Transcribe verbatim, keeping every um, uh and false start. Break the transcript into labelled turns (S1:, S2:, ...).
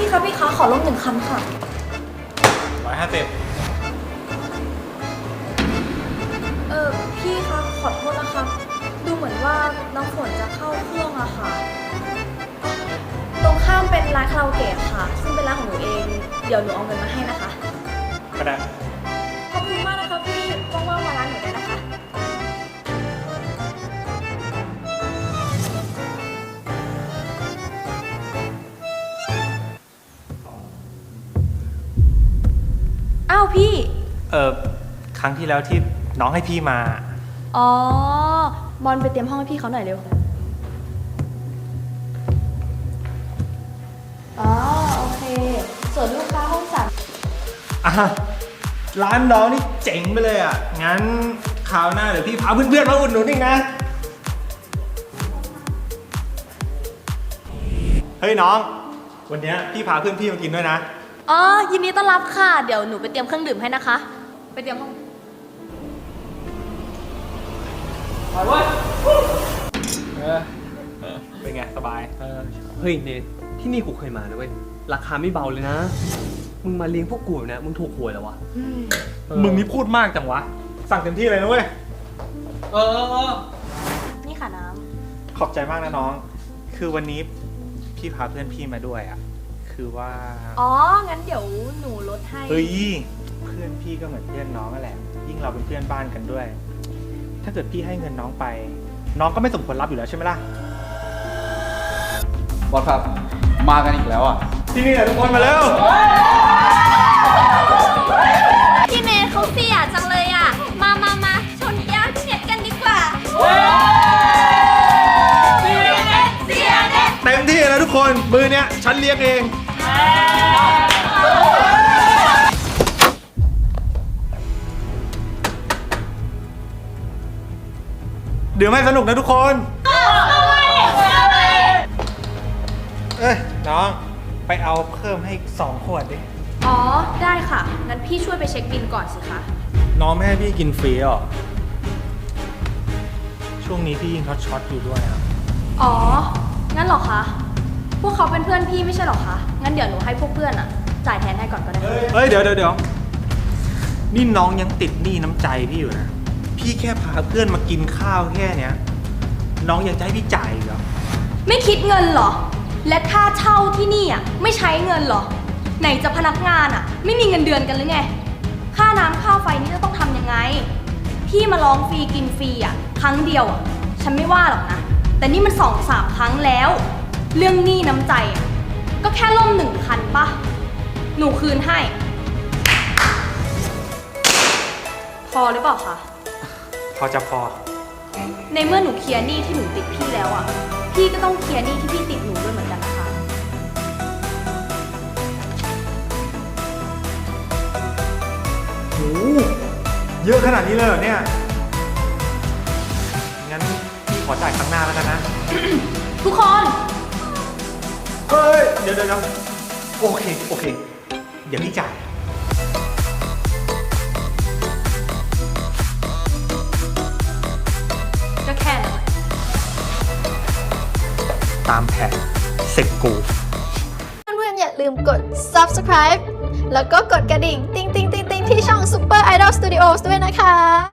S1: พี่คะพี่คะขอลงหนึ่งคันค่ะ
S2: ร้อยห้าสิบ
S1: เออพี่คะขอโทษนะคะดูเหมือนว่าน้องฝนจะเข้าเครื่องอะค่ะตรงข้ามเป็นร้านคาราโอเกะค่ะซึ่งเป็นร้านของหนูเองเดี๋ยวหนูเอาเงินมาให้นะคะ
S2: ก็ได้
S1: ขอบคุณมากนะคะพี่ว่างๆมาร้านหนูได้นะคะอ้าวพี่
S2: เออครั้งที่แล้วที่น้องให้พี่มา
S1: อ๋อบอลไปเตรียมห้องให้พี่เขาหน่อยเร็วอ๋อโอเคส่วนลูกค้าห้องสาม
S2: อ่ะร้านน้องนี่เจ๋งไปเลยอ่ะงั้นคราวหน้าเดี๋ยวพี่พาเพื่อนๆมาอุดหนุนอีกนะเฮ้ยน้องวันนี้พี่พาเพื่อนพี่มากินด้วยนะ
S1: อ๋อยินดีต้อนรับค่ะเดี๋ยวหนูไปเตรียมเครื่องดื่มให้นะคะไปเตรียมห้อง
S2: ไปเว้ยเออเป็นไงสบาย
S3: เออเฮ้ยเนทที่นี่กูเคยมานะเว้ยราคาไม่เบาเลยนะมึงมาเลี้ยงพวกกูเนี่ยมึงถูกหวยแล้ววะ
S2: มึงนี่พูดมากจังวะสั่งเต็มที่เลยนะเว้ย
S3: เออเออ
S1: นี่ค่ะน้
S2: ำขอบใจมากนะน้องคือวันนี้พี่พาเพื่อนพี่มาด้วยอ่ะคือว่า
S1: อ๋องั้นเดี๋ยวหนูลดให้
S2: เฮ้ยเพื่อนพี่ก็เหมือนเพื่อนน้องนั่นแหละยิ่งเราเป็นเพื่อนบ้านกันด้วยถ้าเกิดพี่ให้เงินน้องไปน้องก็ไม่สมควรรับอยู่แล้วใช่ไหมล่ะ
S4: บอสครับมากันอีกแล้วอ่ะ
S2: ที่นี่แหละทุกคนมาแล้ว
S1: พี่เนทเขาเสียจังเลยอ่ะมามามาชนแก้วพี่เนทกันดีกว่าเสียเนทเสียเนท
S2: เต็มที่แล้วทุกคนมือเนี้ยฉันเลี้ยงเองเดี๋ยวไม่สนุกนะทุกคนเอ้ยน้องไปเอาเพิ่มให้สองขวดดิ
S1: อ๋อได้ค่ะงั้นพี่ช่วยไปเช็คบิลก่อนสิคะ
S2: น้องแม่ให้พี่กินฟรีอ่ะช่วงนี้พี่ยิงช็อตช็อตอยู่ด้วยอ่ะ
S1: อ๋องั้นเหรอคะพวกเขาเป็นเพื่อนพี่ไม่ใช่หรอคะงั้นเดี๋ยวหนูให้พวกเพื่อนอ่ะจ่ายแทนให้ก่อนก็ได้
S2: เฮ้ยเดี๋ยวเดี๋ยวเดี๋ยวนี่น้องยังติดหนี้น้ำใจพี่อยู่นะพี่แค่พาเพื่อนมากินข้าวแค่เนี้ยน้องยังจะให้พี่จ่ายเหรอ
S1: ไม่คิดเงินเหรอและค่าเช่าที่นี่อ่ะไม่ใช้เงินเหรอไหนจะพนักงานอ่ะไม่มีเงินเดือนกันหรือไงค่าน้ำค่าไฟนี่จะต้องทำยังไงพี่มาลองฟรีกินฟรีอ่ะครั้งเดียวอ่ะฉันไม่ว่าหรอกนะแต่นี่มันสองสามครั้งแล้วเรื่องหนี้น้ำใจอ่ะก็แค่ล่มหนึ่งคันปะหนูคืนให้พอหรือเปล่าคะ
S2: พอจะพอ
S1: ในเมื่อหนูเคลียร์หนี้ที่หนูติดพี่แล้วอ่ะพี่ก็ต้องเคลียร์หนี้ที่พี่ติดหนูด้วยเหมือนกันนะคะ
S2: โอ้เยอะขนาดนี้เลยเหรอเนี่ยงั้นพี่ขอจ่ายครั้งหน้าแล้วกันนะ
S1: ทุกคน
S2: เฮ้ยเดี๋ยวเดี๋ยวโอเคโอเคเดี๋ยวพี่จ่าย
S1: ก็แค่นั้น
S2: ตามแผนเสร็จกู
S5: เพื่อนๆอย่าลืมกด ซับสไครบ์ แล้วก็กดกระดิ่ง ติ๊งติ๊งติ๊งติ๊งที่ช่อง Super Idol Studios ด้วยนะคะ